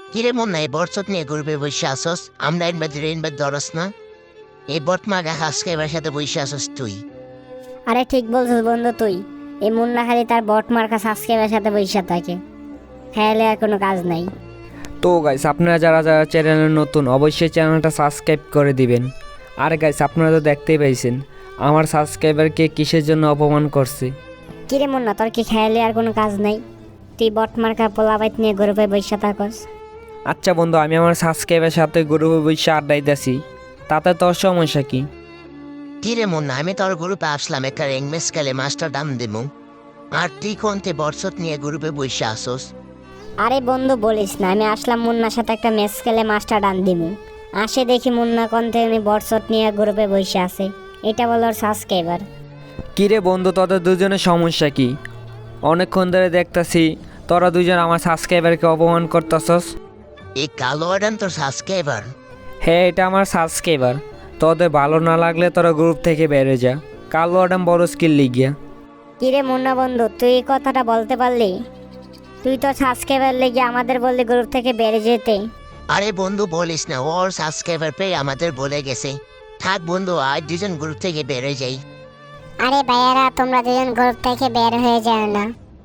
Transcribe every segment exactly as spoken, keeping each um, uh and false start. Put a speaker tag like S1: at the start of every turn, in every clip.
S1: কিরে মন নাই বরচত নিয়ে ঘুরবে বসে আসস আমরা ইনবার ইনবার ধরস না এই বটমাগা সাবস্ক্রাইবার সাথে বসে আসস তুই।
S2: আরে ঠিক বলছিস বন্ধু তুই। এই মুন্না খালি তার বট মার্কা সাবস্ক্রাইবের সাথে বসে থাকে, খেয়ালে আর কোনো কাজ নাই।
S3: তো গাইস আপনারা যারা যারা চ্যানেলে নতুন অবশ্যই চ্যানেলটা সাবস্ক্রাইব করে দিবেন। আর গাইস আপনারা তো দেখতেই পাইছেন আমার সাবস্ক্রাইবারকে কিসের জন্য অপমান করছে।
S2: কিরে মুন্না, তোর কি খেয়ালে আর কোনো কাজ নাই? তুই বট মার্কা পোলাবাইত নিয়ে গ্রুপে বসে থাকস।
S3: আচ্ছা বন্ধু, আমি আমার সাবস্ক্রাইবের সাথে গ্রুপে বসে আড্ডাইতেছি, তাতে তোর সমস্যা কি?
S1: কিরে মন না আমি তোর গ্রুপে আসলাম একটা রেংমেস খেলে মাস্টার দাম দেবো, আর তুই কোনতে বরচত নিয়ে গ্রুপে বসে আসস।
S2: আরে বন্ধু বলিস না, আমি আসলাম মুন্নার সাথে একটা ম্যাচ খেলে মাস্টার ডান দিমু। আসে দেখি মুন্না কোন থেকে বটশট নিয়ে গ্রুপে বসে আছে, এটা বলো ওর সাবস্ক্রাইবার।
S3: কিরে বন্ধু, তোদের দুজনের সমস্যা কি? অনেকক্ষণ ধরে দেখতাছি তোরা দুজন আমার সাবস্ক্রাইবারকে অপমান করতেছস।
S1: এই কালো আডান তোর সাবস্ক্রাইবার?
S3: হ্যাঁ, এটা আমার সাবস্ক্রাইবার। তোদের ভালো না লাগলে তোরা গ্রুপ থেকে বেরিয়ে যা। কালো আডাম বড় স্কিল লিগিয়া।
S2: কিরে মুন্না বন্ধু, তুই এই কথাটা বলতে পারলি? তুই তো সাবস্ক্রাইবার লেগে আমাদের বললি গ্রুপ থেকে বেড়ে যেতে।
S1: আরে বন্ধু বলিস না, ওর সাবস্ক্রাইবার পেয়ে আমাদের বলে গেছে। থাক বন্ধু, আজ দুজন গ্রুপ থেকে বেড়ে যাই।
S4: আরে ভাইয়ারা, তোমরা দুজন গ্রুপ থেকে বের হয়ে যাও না,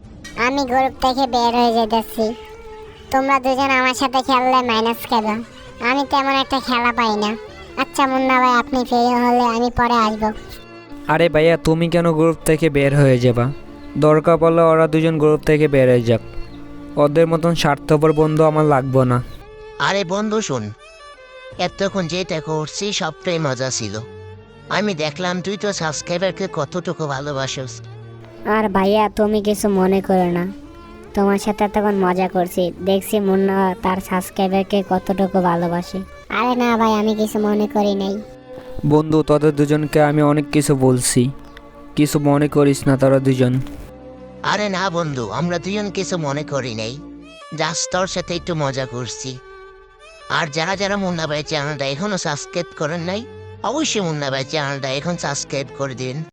S4: আমি গ্রুপ থেকে বের হয়ে যেতেছি। তোমরা দুজন আমার সাথে খেললে মাইনাস খেলো, আমি তেমন একটা খেলা পাই না। আচ্ছা মুন্না ভাই, আপনি ফ্রি হলে আমি পরে আসবো।
S3: আরে ভাইয়া, তুমি কেন গ্রুপ থেকে বের হয়ে যাবা? দরকার পড়লে ওরা দুজন গ্রুপ থেকে বের হয়ে যাক। ওদের মতন স্বার্থপর বন্ধু আমার লাগবে না।
S1: আরে বন্ধু শুন, এতক্ষণ যেটা করছি সবটাই মজা ছিল। আমি দেখলাম তুই তো সাবস্ক্রাইবারকে কতটুকু ভালোবাসিস।
S2: আর ভাইয়া তুমি কিছু মনে করো না, তোমার সাথে তখন মজা করছি, দেখছি মুন্না তার সাবস্ক্রাইবারকে কতটুকু ভালোবাসে।
S4: আরে না ভাই, আমি কিছু মনে করি নাই।
S3: বন্ধু, তোদের দুজনকে আমি অনেক কিছু বলছি, কিছু মনে করিস না তোরা দুজন।
S1: আরে না বন্ধু, আমরা দুজন কিছু মনে করি নাই, জাস্ট তোর সাথে একটু মজা করছি। আর যারা যারা মুন্না ভাই চ্যানেলটা এখনো সাবস্ক্রাইব করেন নাই, অবশ্যই মুন্না ভাই চ্যানেলটা এখন সাবস্ক্রাইব করে দিন।